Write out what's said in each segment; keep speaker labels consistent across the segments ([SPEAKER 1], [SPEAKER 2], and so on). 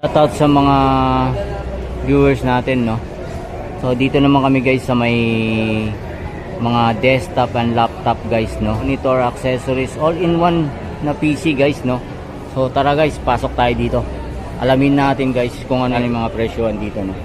[SPEAKER 1] Shoutout sa mga viewers natin, no. So dito naman kami guys sa may mga desktop and laptop guys, no. Monitor, accessories, all in one na PC guys, no. So tara guys, pasok tayo dito. Alamin natin guys kung ano yung mga presyohan dito, no.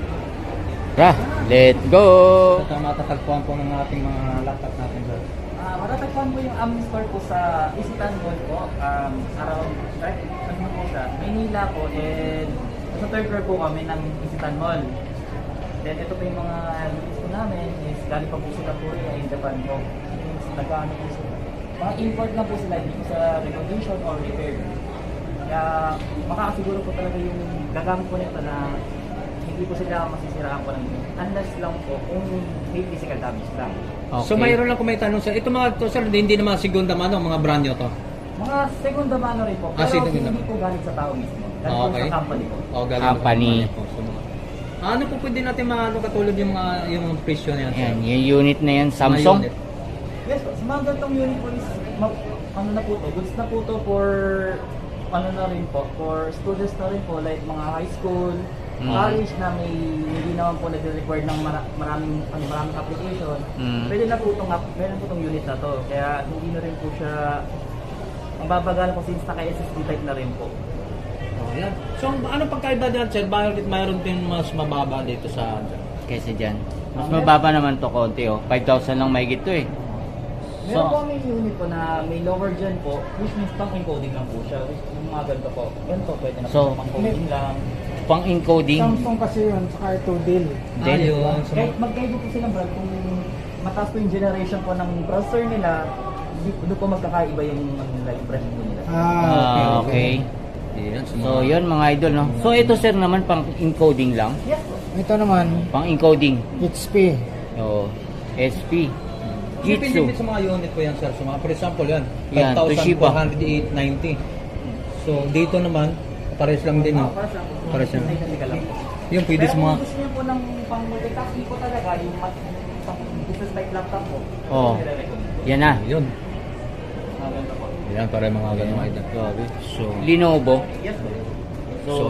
[SPEAKER 1] Tara, let's go.
[SPEAKER 2] Ito matatagpuan po ng ating mga laptop natin, sir.
[SPEAKER 3] Matatagpuan po yung aming store po sa Isitan Mall po. Around ano po siya, Maynila po, and sa third floor po kami ng Isitan Mall. Then ito po yung mga units po namin is galing pa po sila po in Japan po. Nagkaano po sila. Mga import lang po sila, hindi po sa recondition or repair. Kaya makakasiguro po talaga yung gagamit po nito na hindi po sila masisiraan po ng unless lang po kung may physical damage lang.
[SPEAKER 1] Okay.
[SPEAKER 2] So mayroon lang kung may tanong, sir. Ito mga to, sir, hindi na mga segunda mano, mga brand nyo to.
[SPEAKER 3] Mga segunda mano rin po, pero hindi po galing sa tao mismo. Galing po sa company po.
[SPEAKER 2] Galing
[SPEAKER 1] Company.
[SPEAKER 2] po. So, ano po pwede natin ano katulad yung mga yung presyo na yan, sir?
[SPEAKER 1] Ayan, yung unit na yan,
[SPEAKER 2] Mga
[SPEAKER 1] Samsung.
[SPEAKER 2] unit.
[SPEAKER 3] Yes po, sa mga ganitong unit po is, ano na po to, goods na po to for, ano na rin po, for students na rin po, like mga high school, college na may hindi naman po nag-require ng maraming application. Pwede na po itong, meron po itong unit na to, kaya hindi na rin po siya, ang babagal po since naka-SSD type na rin po.
[SPEAKER 2] Oh, yan. So ano pagkaiba dyan, sir? Bakit mayroon din mas mababa dito sa
[SPEAKER 1] Kaysa dyan. Mas mababa naman to konti, oh. 5,000 lang mahigit to, eh.
[SPEAKER 3] Meron po may unit po na may lower gen po, which means pang encoding lang po siya, which yung mga ganito po. Ganito pwede na
[SPEAKER 1] So,
[SPEAKER 3] po pang coding lang.
[SPEAKER 1] Pang encoding.
[SPEAKER 4] Samsung kasi yun, saka ito Dell.
[SPEAKER 1] Dell.
[SPEAKER 2] Ayun. So,
[SPEAKER 3] Kahit magkaiba po silang brand, kung mataas po yung generation po ng browser nila, doon po magkakaiba yung nila, yung brand po nila.
[SPEAKER 1] Okay.
[SPEAKER 2] yan,
[SPEAKER 1] So, yun mga idol, no. So, ito sir naman pang encoding lang.
[SPEAKER 3] Yes po.
[SPEAKER 4] Ito naman,
[SPEAKER 1] Pang encoding.
[SPEAKER 4] HP.
[SPEAKER 1] Oh, SP.
[SPEAKER 2] Depende
[SPEAKER 1] Jitsu.
[SPEAKER 2] sa mga unit po yan, sir. So, mga, for example, yan.
[SPEAKER 1] Yan, Toshiba.
[SPEAKER 2] 5,490. So, dito naman, pares lang din. No? Pares lang.
[SPEAKER 3] Technical lang po.
[SPEAKER 2] Yung pwede
[SPEAKER 3] Pero
[SPEAKER 2] sa mga...
[SPEAKER 3] kung gusto niyo po ng pang multitasking po talaga, yung pang business like laptop po,
[SPEAKER 1] Oh.
[SPEAKER 3] nire-recommend po.
[SPEAKER 1] Yan na.
[SPEAKER 2] Yun.
[SPEAKER 3] Mga ganito po.
[SPEAKER 2] Yan, para mga ganun item.
[SPEAKER 1] Grabe.
[SPEAKER 2] So,
[SPEAKER 1] Lenovo.
[SPEAKER 3] Yes po.
[SPEAKER 1] So,
[SPEAKER 2] So,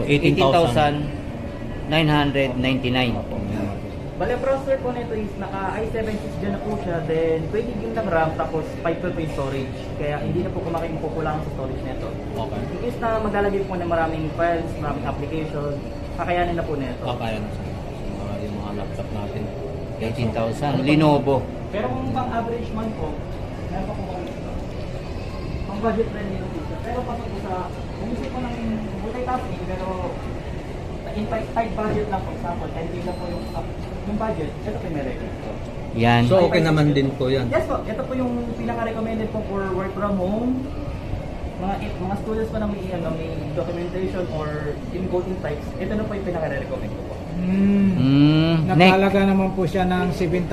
[SPEAKER 1] 18,999.
[SPEAKER 3] Bale, ang processor po nito is naka i7 6 gen na po siya, then 20 GB ng RAM, tapos 512 po yung storage. Kaya hindi na po makukulangan sa storage nito.
[SPEAKER 2] Okay.
[SPEAKER 3] In case na maglalagay po ng maraming files, maraming application, kakayanin na po nito.
[SPEAKER 2] Kaya na sa yung mga laptop natin.
[SPEAKER 1] 18,000. Lenovo.
[SPEAKER 3] Pero kung pang average man po, meron pa po kami ito. Pang budget friendly po siya. Pero pasok po sa, kung gusto po ng multitasking, pero in tight budget lang po, example, 10K lang po yung budget, ito po yung may record po.
[SPEAKER 1] Yan.
[SPEAKER 2] So, okay naman din po yan.
[SPEAKER 3] Yes po, ito po yung pinaka-recommended po for work from home. Mga students pa na may documentation or encoding types, ito na po yung pinaka-recommend ko po.
[SPEAKER 1] Next.
[SPEAKER 4] Nakalaga naman po siya ng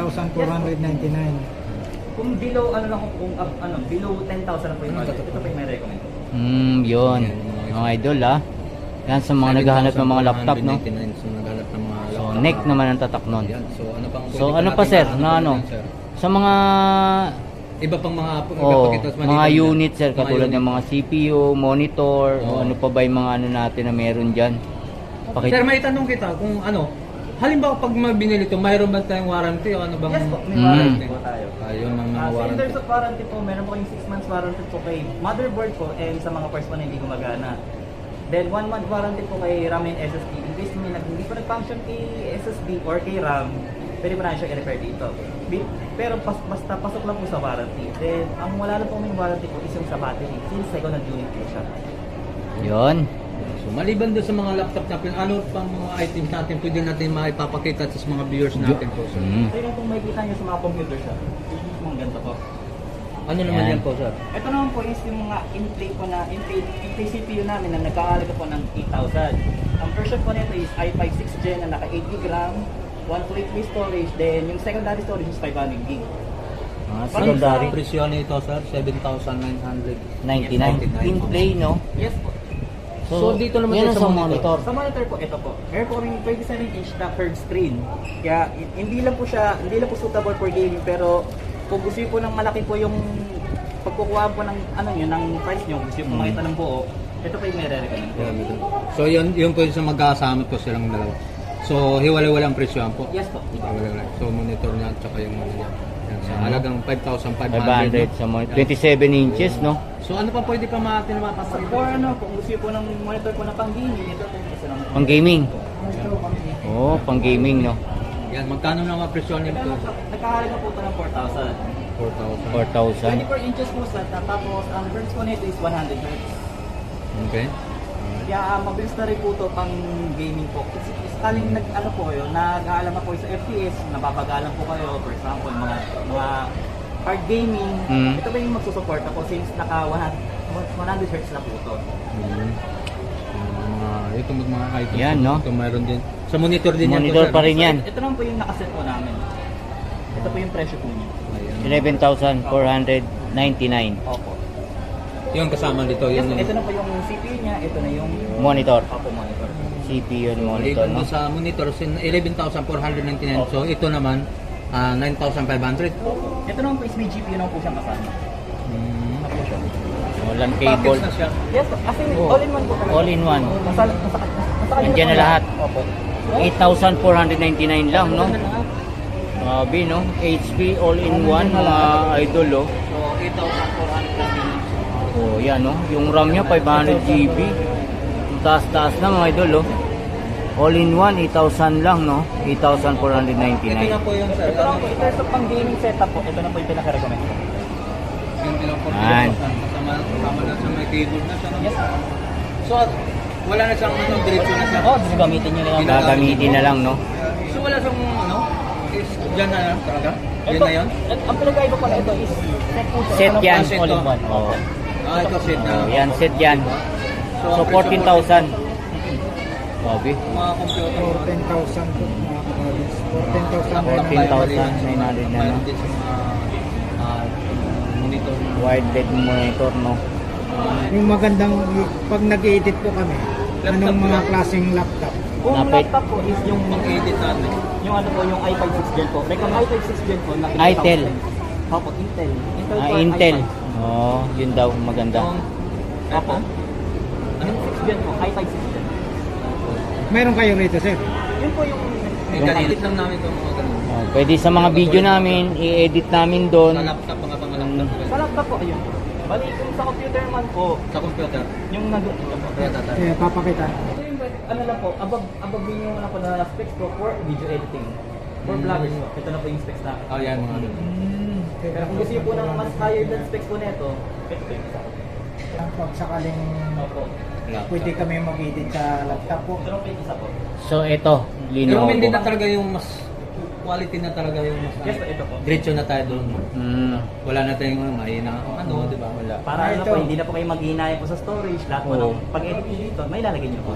[SPEAKER 4] 7,499.
[SPEAKER 3] Kung below, ano lang kung below 10,000 na po yung budget, ito po yung may recommend ko po.
[SPEAKER 1] Yun. Mga idol, ah. Yan sa mga naghahanap ng mga laptop, no?
[SPEAKER 2] 7,199. So, naghahanap ng mga
[SPEAKER 1] So,
[SPEAKER 2] laptop.
[SPEAKER 1] neck naman ang tatak nun.
[SPEAKER 2] Yan. So, ano pang
[SPEAKER 1] So, ano pa sir? Na ano? Sa mga
[SPEAKER 2] Iba pang mga
[SPEAKER 1] mga unit sir, katulad ng mga CPU, monitor, o
[SPEAKER 2] Oo.
[SPEAKER 1] ano pa ba yung mga ano natin na meron dyan?
[SPEAKER 2] Sir, may tanong kita kung ano, halimbawa pag binili ito, mayroon ba tayong warranty o ano bang...
[SPEAKER 3] Yes po, may
[SPEAKER 1] Mm.
[SPEAKER 3] warranty po tayo.
[SPEAKER 2] Ayun ang mga
[SPEAKER 3] So in
[SPEAKER 2] warranty.
[SPEAKER 3] terms of warranty po, meron po yung 6 months warranty po kay motherboard po and sa mga parts po na hindi gumagana. Then 1 month warranty po kay RAM and SSD. In case hindi po nag-function kay SSD or kay RAM, pwede po na siya i-repair dito. Pero basta pasok lang po sa warranty. Then ang wala lang po may warranty po is yung sa battery since second hand unit po siya.
[SPEAKER 1] Yun.
[SPEAKER 2] So, maliban doon sa mga laptop natin, ano pang mga items natin pwede natin maipapakita sa mga viewers natin po, sir?
[SPEAKER 3] So yun kung makikita nyo sa mga computer siya, which is mga ganito po.
[SPEAKER 2] Ano naman
[SPEAKER 1] Yan.
[SPEAKER 2] yan po, sir?
[SPEAKER 3] Ito naman po is yung mga in-play po na in-play CPU namin na nagkakalaga po ng 8,000. Ang version po nito is i5 6 Gen na naka 8 GB RAM, 128 storage, then yung secondary storage is 500 GB.
[SPEAKER 1] Mga
[SPEAKER 3] Ano
[SPEAKER 1] secondary.
[SPEAKER 2] Ang presyo nito, sir, 7,900.
[SPEAKER 1] 99. In play, no?
[SPEAKER 3] Yes po.
[SPEAKER 2] So, dito naman
[SPEAKER 1] yan
[SPEAKER 2] tayo
[SPEAKER 1] sa monitor.
[SPEAKER 3] Sa monitor po, ito po. Meron po kaming 27-inch na curved screen. Kaya hindi lang po suitable for gaming, pero kung gusto niyo po ng malaki po yung pagkukuha po ng ano niyo, ng price niyo, gusto niyo po makita ng buo, Ito po yung may re-recommend ko.
[SPEAKER 2] So yun po yung sa magkasama po silang dalawa. So hiwalay-wala ang presyo po.
[SPEAKER 3] Yes po.
[SPEAKER 2] Hiwalay-wala. So monitor niya at saka yung ano niya. Yan, sa halagang 5,500.
[SPEAKER 1] 500 sa 27 inches, no?
[SPEAKER 2] So ano pa pwede pa natin mapapakita?
[SPEAKER 3] For ano, kung gusto niyo po ng monitor po na pang-gaming, ito po isa lang.
[SPEAKER 1] Pang gaming. Oh, pang gaming, no?
[SPEAKER 2] Yan, magkano na presyo nito?
[SPEAKER 3] Nagkahalaga po ito ng 4,000.
[SPEAKER 2] 4,000.
[SPEAKER 1] 4,000.
[SPEAKER 3] 24 inches po sa tapos ang hertz po nito is 100 hertz.
[SPEAKER 2] Okay.
[SPEAKER 3] Kaya mabilis na rin po ito pang gaming po. Kasi sakaling nag-ano po yun, nag-aalam na po sa FPS, napapagalan po kayo, for example, mga hard gaming, ito ba yung magsusupport ako since naka 100 hertz na po ito.
[SPEAKER 2] Ito mga items.
[SPEAKER 1] Yan, no?
[SPEAKER 2] Ito mayroon din. Sa monitor din
[SPEAKER 1] Monitor
[SPEAKER 2] yan.
[SPEAKER 1] pa rin yan.
[SPEAKER 3] Ito naman po yung nakaset po namin. Ito po yung presyo po niya.
[SPEAKER 1] 11,499
[SPEAKER 3] Opo.
[SPEAKER 2] Yung kasama dito.
[SPEAKER 3] Yes,
[SPEAKER 2] Yung,
[SPEAKER 3] ito na po yung CPU niya, ito na yung
[SPEAKER 1] monitor.
[SPEAKER 3] Opo, monitor.
[SPEAKER 1] CPU and monitor, no?
[SPEAKER 2] Sa monitor, 11,499. So ito naman, 9,500.
[SPEAKER 3] Ito naman po is may GPU naman po siyang kasama.
[SPEAKER 1] Walang cable.
[SPEAKER 2] Package na siya.
[SPEAKER 3] Yes, kasi all-in-one po talaga.
[SPEAKER 1] All in one.
[SPEAKER 3] Nasa
[SPEAKER 1] Nandiyan na lahat.
[SPEAKER 3] Opo.
[SPEAKER 1] 8,499 lang, no? Grabe, no? HP all-in-one, mga idol, oh.
[SPEAKER 3] So, 8,499.
[SPEAKER 1] Oh, yan, no? Yung RAM niya, 500 GB. Yung taas-taas na, mga idol, oh. All-in-one, 8,000 lang, no?
[SPEAKER 2] Ito
[SPEAKER 1] 8,499.
[SPEAKER 2] na po yung sir.
[SPEAKER 3] Ito lang po, ito sa pang-gaming setup po. Ito na po yung pinaka-recommend ko.
[SPEAKER 2] Yung bilang po.
[SPEAKER 1] Yan.
[SPEAKER 2] Kasama na siya, may keyboard na siya. No?
[SPEAKER 3] Yes.
[SPEAKER 2] So, wala na siyang diretso na siya.
[SPEAKER 3] Oh, gagamitin nyo na lang.
[SPEAKER 1] Gagamitin na lang, no?
[SPEAKER 2] So, wala siyang is dyan na lang talaga? Yan na yun?
[SPEAKER 3] Ang pinag-iba ko na ito is set po siya.
[SPEAKER 1] Set yan.
[SPEAKER 3] Ito na po, all-in-one.
[SPEAKER 1] Oh.
[SPEAKER 2] Ito set na.
[SPEAKER 1] Oh, yan, set yan. So, 14,000. Grabe.
[SPEAKER 2] Mga computer.
[SPEAKER 4] 14,000 po mga kapatid.
[SPEAKER 1] 14,900 na, no?
[SPEAKER 2] Din sa mga monitor.
[SPEAKER 1] Wide LED monitor, no?
[SPEAKER 4] Yung magandang, pag nag-edit po kami, anong mga klaseng laptop?
[SPEAKER 3] Kung
[SPEAKER 1] Napit.
[SPEAKER 3] laptop po is yung
[SPEAKER 2] Pang-edit natin.
[SPEAKER 3] yung ano po, yung i5 6 Gen po. Recommend i5 6 Gen po na
[SPEAKER 1] Intel.
[SPEAKER 3] Opo, Intel. Intel
[SPEAKER 1] Ah,
[SPEAKER 3] Core
[SPEAKER 1] Intel.
[SPEAKER 3] i5.
[SPEAKER 1] Oh, yun daw, maganda.
[SPEAKER 3] Opo. Yung 6 Gen po, i5 6 Gen.
[SPEAKER 4] Meron kayo rito, sir?
[SPEAKER 3] Yun po yung
[SPEAKER 2] I-edit lang namin itong mga ganun.
[SPEAKER 1] Oh, pwede sa mga video namin, i-edit namin
[SPEAKER 2] Sa
[SPEAKER 1] doon.
[SPEAKER 2] laptop, mga laptop.
[SPEAKER 3] sa laptop po, ayun. Bali, kung sa computer man po,
[SPEAKER 2] Sa computer.
[SPEAKER 3] yung nandun ito po.
[SPEAKER 4] Papakita.
[SPEAKER 3] Ito yung ano lang po, above din yung ano po na specs po for video editing. For vloggers po, ito na po yung specs namin.
[SPEAKER 2] Oh, yan mga ganun.
[SPEAKER 3] Pero kung gusto niyo po ng mas higher than specs po nito, ito po yung isa.
[SPEAKER 4] Pag sakaling
[SPEAKER 3] Opo.
[SPEAKER 4] pwede kami mag-edit sa laptop po.
[SPEAKER 3] Ito na po yung isa po.
[SPEAKER 1] So, ito,
[SPEAKER 2] Recommended na
[SPEAKER 1] Lenovo.
[SPEAKER 2] talaga yung mas quality na talaga yung mas
[SPEAKER 3] Yes po, ito po.
[SPEAKER 2] diretso na tayo doon. Wala na tayong mahina di ba? Wala.
[SPEAKER 3] Para ano
[SPEAKER 4] ito.
[SPEAKER 3] po, hindi na po kayo maghihinayang po sa storage. Lahat po
[SPEAKER 1] Oo.
[SPEAKER 3] ng pag-edit nyo dito, may lalagay nyo po.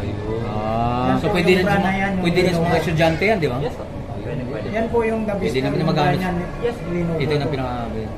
[SPEAKER 1] Ah,
[SPEAKER 2] So pwede rin sa
[SPEAKER 4] Yung brand na yan, yung
[SPEAKER 2] pwede rin sa mga
[SPEAKER 4] Lenovo.
[SPEAKER 2] estudyante yan, di ba?
[SPEAKER 3] Yes po. Pwede, pwede.
[SPEAKER 4] Yan po yung the best.
[SPEAKER 2] Pwede namin
[SPEAKER 4] yung
[SPEAKER 2] magamit.
[SPEAKER 4] ganyan,
[SPEAKER 3] Yes.
[SPEAKER 4] Lenovo
[SPEAKER 2] Ito yung
[SPEAKER 4] po.
[SPEAKER 2] pinaka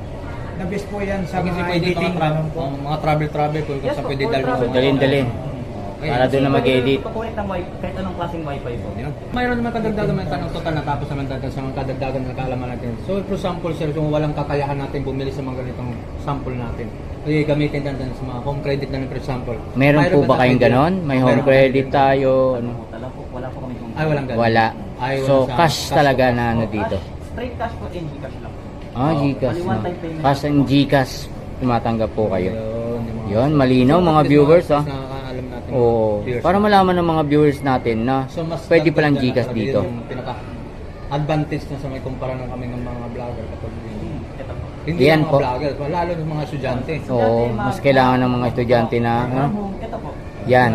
[SPEAKER 4] The best po yan sa
[SPEAKER 2] kasi
[SPEAKER 4] mga
[SPEAKER 2] pwede
[SPEAKER 4] editing. ganun po.
[SPEAKER 2] mga travel po
[SPEAKER 3] Yes,
[SPEAKER 2] kasi
[SPEAKER 3] po,
[SPEAKER 2] pwede
[SPEAKER 3] for
[SPEAKER 2] dalhin
[SPEAKER 3] travel.
[SPEAKER 1] dalhin-dalhin. Para doon na mag-edit.
[SPEAKER 3] Pag-connect ng wifi, kahit anong klaseng wifi po.
[SPEAKER 2] Mayroon naman kadagdagan ng tanong total natapos naman natin sa mga kadagdagan na kaalaman natin. So for sample sir, kung walang kakayahan natin bumili sa mga ganitong sample natin, ay gamitin natin sa mga home credit na for example.
[SPEAKER 1] Meron po ba kayong
[SPEAKER 2] tayo
[SPEAKER 1] ganon? May home
[SPEAKER 2] Mayroon
[SPEAKER 1] credit
[SPEAKER 2] ba?
[SPEAKER 1] tayo? ano?
[SPEAKER 3] Wala po kami kung...
[SPEAKER 2] Ay, walang ganun.
[SPEAKER 1] Wala.
[SPEAKER 2] Ay,
[SPEAKER 1] So,
[SPEAKER 2] wala sa-
[SPEAKER 1] cash talaga na ano dito.
[SPEAKER 3] Straight cash po and Gcash lang.
[SPEAKER 1] Ah, Gcash.
[SPEAKER 3] Bali,
[SPEAKER 1] No?
[SPEAKER 3] one-time payment.
[SPEAKER 1] Cash and Gcash, tumatanggap po kayo.
[SPEAKER 2] Yung mga-
[SPEAKER 1] Yun, malinaw
[SPEAKER 2] So,
[SPEAKER 1] mga
[SPEAKER 2] at least
[SPEAKER 1] viewers,
[SPEAKER 2] mga-
[SPEAKER 1] ah.
[SPEAKER 2] nakakaalam natin.
[SPEAKER 1] Oo.
[SPEAKER 2] Viewers.
[SPEAKER 1] Para malaman ng mga viewers natin na
[SPEAKER 2] So, mas
[SPEAKER 1] pwede palang
[SPEAKER 2] dagdag na
[SPEAKER 1] Gcash
[SPEAKER 2] talaga
[SPEAKER 1] dito.
[SPEAKER 2] Yung pinaka advantage na sa may kumpara ng kami ng mga vlogger kapag
[SPEAKER 3] Ito po.
[SPEAKER 2] hindi
[SPEAKER 1] Yan
[SPEAKER 2] lang
[SPEAKER 1] po.
[SPEAKER 2] mga vlogger, lalo ng mga estudyante.
[SPEAKER 1] Oo, mas kailangan ng mga estudyante na, ano?
[SPEAKER 3] Ito po.
[SPEAKER 1] Yan.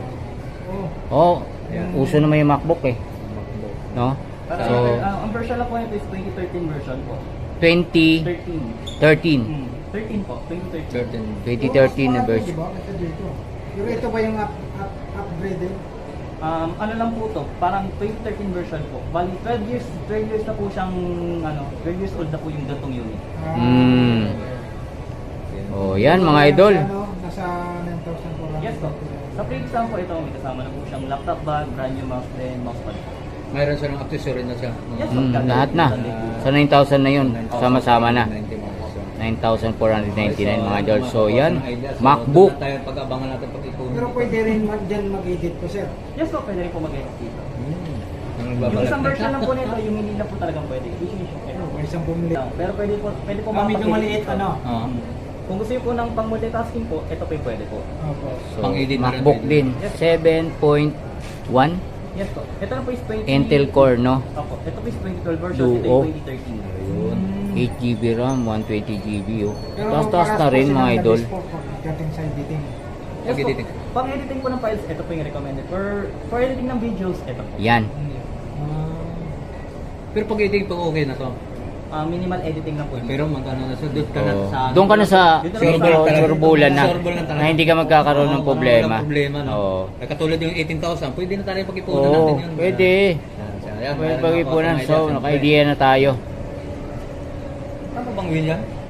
[SPEAKER 1] Oh, uso naman yung MacBook eh. No? So,
[SPEAKER 3] Ang version lang po nito is 2013 version po.
[SPEAKER 1] 2013.
[SPEAKER 3] 13. 13 po, 2013.
[SPEAKER 1] 2013 na version.
[SPEAKER 4] Diba? Ito dito. Yung ito ba yung upgraded?
[SPEAKER 3] Ano lang po to, parang 2013 version po. Bali 12 years na po siyang 12 years old na po yung gantong unit.
[SPEAKER 1] Hmm. Oh, yan mga idol.
[SPEAKER 4] Ano, nasa 9,400.
[SPEAKER 3] Yes po. Sa free exam po ito, may kasama na po siyang laptop bag, brand new mouse, then mousepad.
[SPEAKER 2] Mayroon silang accessory na siya.
[SPEAKER 3] Yes po.
[SPEAKER 1] Lahat na. Sa 9,000 na yun. Sama-sama na. 9,499 mga idol. So yan, MacBook.
[SPEAKER 2] Tayo pag-abangan natin pag-ipunin.
[SPEAKER 4] Pero pwede rin dyan mag-edit po, sir.
[SPEAKER 3] Yes po, pwede rin po mag-edit dito.
[SPEAKER 2] Ang
[SPEAKER 3] Yung
[SPEAKER 2] nagbabalat.
[SPEAKER 3] isang version lang po nito, yung hindi na po talagang pwede. Which is
[SPEAKER 4] May 10 mili.
[SPEAKER 3] Pero pwede po
[SPEAKER 4] Medyo maliit, ano?
[SPEAKER 2] Oo.
[SPEAKER 3] Kung gusto niyo po ng pang multitasking po, ito po yung pwede po.
[SPEAKER 4] Opo.
[SPEAKER 1] So,
[SPEAKER 2] Pang-edit na rin
[SPEAKER 1] MacBook
[SPEAKER 2] pwede.
[SPEAKER 1] din. 7.1
[SPEAKER 3] Yes po. Ito na po is 20...
[SPEAKER 1] Intel Core, no?
[SPEAKER 3] Opo. Ito po is 2012 version, ito
[SPEAKER 1] Duo.
[SPEAKER 3] yung 2013.
[SPEAKER 2] Ayun.
[SPEAKER 1] 8GB RAM, 120GB, oh.
[SPEAKER 4] Pero
[SPEAKER 1] Taas-taas
[SPEAKER 4] paras
[SPEAKER 1] na
[SPEAKER 4] po
[SPEAKER 1] rin
[SPEAKER 4] silang
[SPEAKER 1] mga idol.
[SPEAKER 4] nag-export po pagdating sa editing.
[SPEAKER 3] Yes
[SPEAKER 2] Pag-editing.
[SPEAKER 3] po. Pang editing po ng files, ito po yung recommended. For editing ng videos, ito po.
[SPEAKER 1] Yan.
[SPEAKER 2] Pero pag-editing po okay na to.
[SPEAKER 3] Minimal editing lang po yun.
[SPEAKER 2] Pero magkano na sa doon ka na
[SPEAKER 1] Oh.
[SPEAKER 2] sa
[SPEAKER 1] Doon ka na sa
[SPEAKER 3] Doon na
[SPEAKER 1] medyo
[SPEAKER 3] sa-
[SPEAKER 1] turbulan na.
[SPEAKER 2] Turbulan talaga.
[SPEAKER 1] Na hindi ka magkakaroon ng
[SPEAKER 2] Oo,
[SPEAKER 1] problema.
[SPEAKER 2] walang problema, no?
[SPEAKER 1] Oo.
[SPEAKER 2] Katulad yung 18,000, pwede na tayo pag-ipunan
[SPEAKER 1] Oo,
[SPEAKER 2] natin yun.
[SPEAKER 1] pwede.
[SPEAKER 2] Ayan,
[SPEAKER 1] Pwede
[SPEAKER 2] meron
[SPEAKER 1] pag-ipunan.
[SPEAKER 2] ako
[SPEAKER 1] So,
[SPEAKER 2] idea,
[SPEAKER 1] naka-idea na tayo.
[SPEAKER 2] Ano bang William?